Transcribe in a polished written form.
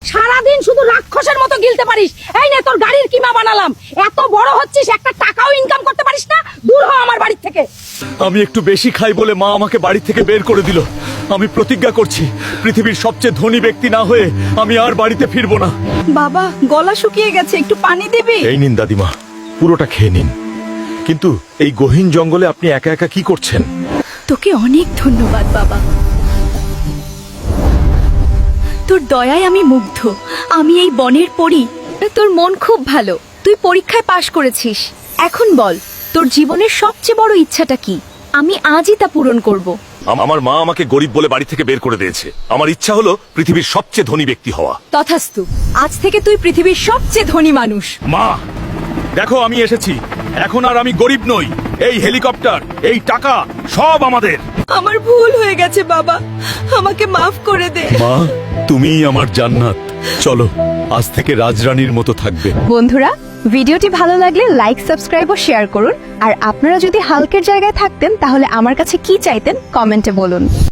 সারাদিন শুধু রাক্ষসের মতো গিলতে পারিস। এই নে তোর গাড়ির কিমা বানালাম। এত বড় হচ্ছিস, একটা টাকাও ইনকাম করতে পারিস না। দূর হ আমার বাড়ি থেকে। আমি একটু বেশি খাই বলে মা আমাকে বাড়ি থেকে বের করে দিল। আমি প্রতিজ্ঞা করছি, পৃথিবীর সবচেয়ে ধনী ব্যক্তি না হয়ে আমি আর বাড়িতে ফিরবো না। বাবা, গলা শুকিয়ে গেছে, একটু পানি দিবি? এই নিন দাদিমা, পুরোটা খেয়ে নিন। কিন্তু এই গহীন জঙ্গলে আপনি একা একা কি করছেন? তোকে অনেক ধন্যবাদ বাবা। তোর দয়ায় আমি মুগ্ধ। আমি এই বনের পরী। তোর মন খুব ভালো। তুই পরীক্ষায় পাশ করেছিস। এখন বল, তোর জীবনের সবচেয়ে বড় ইচ্ছাটা কি? আমি আজই তা পূরণ করব। আমার মা আমাকে গরিব বলে বাড়ি থেকে বের করে দিয়েছে। আমার ইচ্ছা হলো পৃথিবীর সবচেয়ে ধনী ব্যক্তি হওয়া। তথাস্তু, আজ থেকে তুই পৃথিবীর সবচেয়ে ধনী মানুষ। মা, দেখো আমি এসেছি। এখন আর আমি গরিব নই। এই হেলিকপ্টার, এই টাকা সব আমাদের। আমার ভুল হয়ে গেছে বাবা, আমাকে মাফ করে দে। মা, তুমিই আমার জান্নাত। চলো, আজ থেকে রাজরানীর মতো থাকবে। বন্ধুরা, ভিডিওটি ভালো লাগলে লাইক, সাবস্ক্রাইব ও শেয়ার করুন। আর আপনারা যদি হাল্কের জায়গায় থাকতেন তাহলে আমার কাছে কি চাইতেন কমেন্টে বলুন।